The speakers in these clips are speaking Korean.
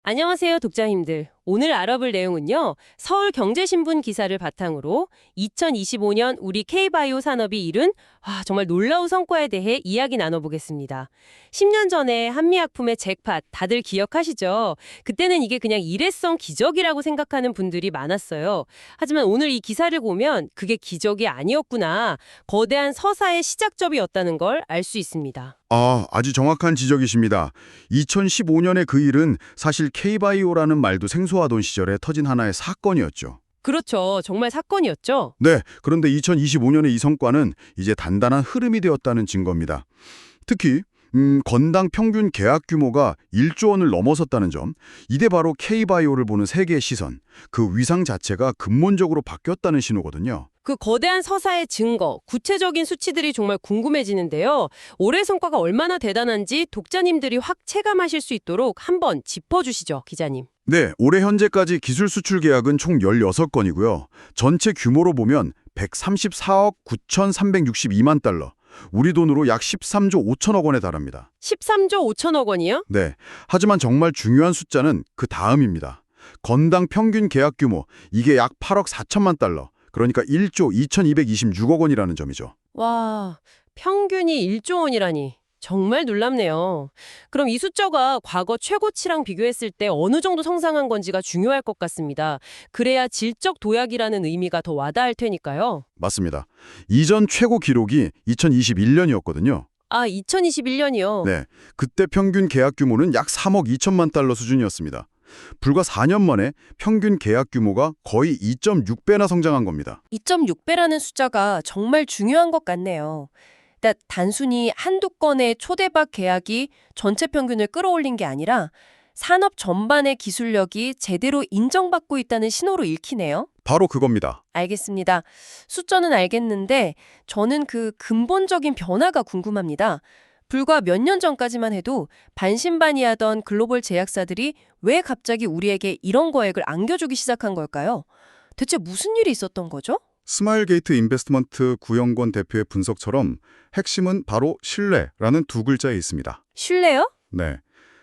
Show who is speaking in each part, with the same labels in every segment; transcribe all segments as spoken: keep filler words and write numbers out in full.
Speaker 1: 안녕하세요, 독자님들. 오늘 알아볼 내용은요, 서울경제신문 기사를 바탕으로 이천이십오 년 우리 K바이오 산업이 이룬 아, 정말 놀라운 성과에 대해 이야기 나눠보겠습니다. 십 년 전에 한미약품의 잭팟 다들 기억하시죠? 그때는 이게 그냥 일회성 기적이라고 생각하는 분들이 많았어요. 하지만 오늘 이 기사를 보면 그게 기적이 아니었구나, 거대한 서사의 시작점이었다는 걸 알 수 있습니다.
Speaker 2: 아, 아주 정확한 지적이십니다. 이천십오 년의 그 일은 사실 K바이오라는 말도 생소하던 시절에 터진 하나의 사건이었죠.
Speaker 1: 그렇죠. 정말 사건이었죠.
Speaker 2: 네, 그런데 이천이십오 년의 이 성과는 이제 단단한 흐름이 되었다는 증거입니다. 특히 음, 건당 평균 계약 규모가 일조 원을 넘어섰다는 점, 이게 바로 K바이오를 보는 세계의 시선, 그 위상 자체가 근본적으로 바뀌었다는 신호거든요.
Speaker 1: 그 거대한 서사의 증거, 구체적인 수치들이 정말 궁금해지는데요. 올해 성과가 얼마나 대단한지 독자님들이 확 체감하실 수 있도록 한번 짚어주시죠, 기자님.
Speaker 2: 네, 올해 현재까지 기술 수출 계약은 총 열여섯 건이고요. 전체 규모로 보면 백삼십사억 구천삼백육십이만 달러, 우리 돈으로 약 십삼조 오천억 원에 달합니다.
Speaker 1: 십삼조 오천억 원이요?
Speaker 2: 네, 하지만 정말 중요한 숫자는 그 다음입니다. 건당 평균 계약 규모, 이게 약 팔억 사천만 달러, 그러니까 일조 이천이백이십육억 원이라는 점이죠.
Speaker 1: 와, 평균이 일조 원이라니. 정말 놀랍네요. 그럼 이 숫자가 과거 최고치랑 비교했을 때 어느 정도 성장한 건지가 중요할 것 같습니다. 그래야 질적 도약이라는 의미가 더 와닿을 테니까요.
Speaker 2: 맞습니다. 이전 최고 기록이 이천이십일 년이었거든요.
Speaker 1: 아, 이천이십일 년이요?
Speaker 2: 네, 그때 평균 계약 규모는 약 삼억 이천만 달러 수준이었습니다. 불과 사 년 만에 평균 계약 규모가 거의 이 점 육 배나 성장한 겁니다.
Speaker 3: 이 점 육 배라는 숫자가 정말 중요한 것 같네요. 그러니까 단순히 한두 건의 초대박 계약이 전체 평균을 끌어올린 게 아니라 산업 전반의 기술력이 제대로 인정받고 있다는 신호로 읽히네요.
Speaker 2: 바로 그겁니다.
Speaker 3: 알겠습니다. 숫자는 알겠는데 저는 그 근본적인 변화가 궁금합니다. 불과 몇 년 전까지만 해도 반신반의하던 글로벌 제약사들이 왜 갑자기 우리에게 이런 거액을 안겨주기 시작한 걸까요? 대체 무슨 일이 있었던 거죠?
Speaker 2: 스마일게이트 인베스트먼트 구영권 대표의 분석처럼 핵심은 바로 신뢰라는 두 글자에 있습니다.
Speaker 3: 신뢰요?
Speaker 2: 네.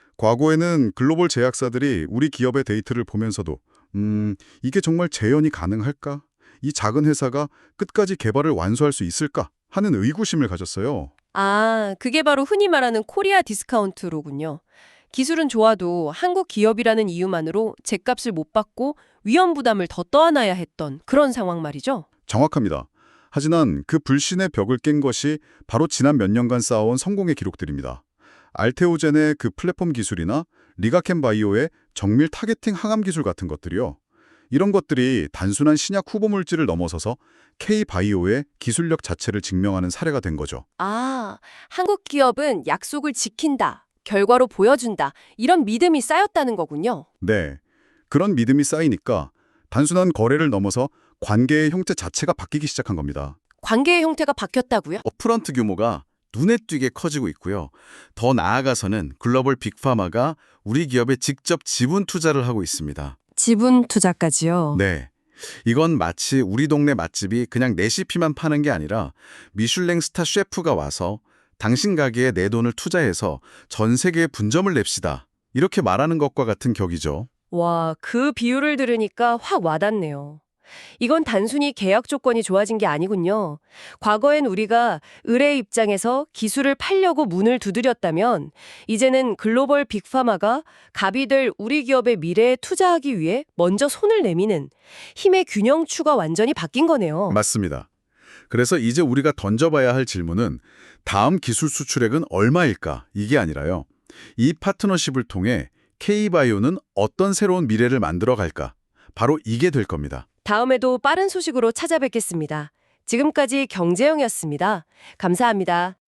Speaker 2: 과거에는 글로벌 제약사들이 우리 기업의 데이터를 보면서도 음, 이게 정말 재현이 가능할까? 이 작은 회사가 끝까지 개발을 완수할 수 있을까? 하는 의구심을 가졌어요.
Speaker 3: 아, 그게 바로 흔히 말하는 코리아 디스카운트로군요. 기술은 좋아도 한국 기업이라는 이유만으로 죗값을 못 받고 위험 부담을 더 떠안아야 했던 그런 상황 말이죠.
Speaker 2: 정확합니다. 하지만 그 불신의 벽을 깬 것이 바로 지난 몇 년간 쌓아온 성공의 기록들입니다. 알테오젠의 그 플랫폼 기술이나 리가켄 바이오의 정밀 타겟팅 항암 기술 같은 것들이요. 이런 것들이 단순한 신약 후보 물질을 넘어서서 K바이오의 기술력 자체를 증명하는 사례가 된 거죠.
Speaker 3: 아, 한국 기업은 약속을 지킨다, 결과로 보여준다, 이런 믿음이 쌓였다는 거군요.
Speaker 2: 네. 그런 믿음이 쌓이니까 단순한 거래를 넘어서 관계의 형태 자체가 바뀌기 시작한 겁니다.
Speaker 3: 관계의 형태가 바뀌었다고요?
Speaker 4: 업프런트 규모가 눈에 띄게 커지고 있고요. 더 나아가서는 글로벌 빅파마가 우리 기업에 직접 지분 투자를 하고 있습니다.
Speaker 3: 지분 투자까지요?
Speaker 4: 네. 이건 마치 우리 동네 맛집이 그냥 레시피만 파는 게 아니라 미슐랭 스타 셰프가 와서 당신 가게에 내 돈을 투자해서 전 세계에 분점을 냅시다, 이렇게 말하는 것과 같은 격이죠.
Speaker 3: 와, 그 비유를 들으니까 확 와닿네요. 이건 단순히 계약 조건이 좋아진 게 아니군요. 과거엔 우리가 의뢰 입장에서 기술을 팔려고 문을 두드렸다면 이제는 글로벌 빅파마가 갑이 될 우리 기업의 미래에 투자하기 위해 먼저 손을 내미는 힘의 균형추가 완전히 바뀐 거네요.
Speaker 4: 맞습니다. 그래서 이제 우리가 던져봐야 할 질문은 다음 기술 수출액은 얼마일까? 이게 아니라요. 이 파트너십을 통해 K바이오는 어떤 새로운 미래를 만들어 갈까? 바로 이게 될 겁니다.
Speaker 3: 다음에도 빠른 소식으로 찾아뵙겠습니다. 지금까지 경제영이었습니다. 감사합니다.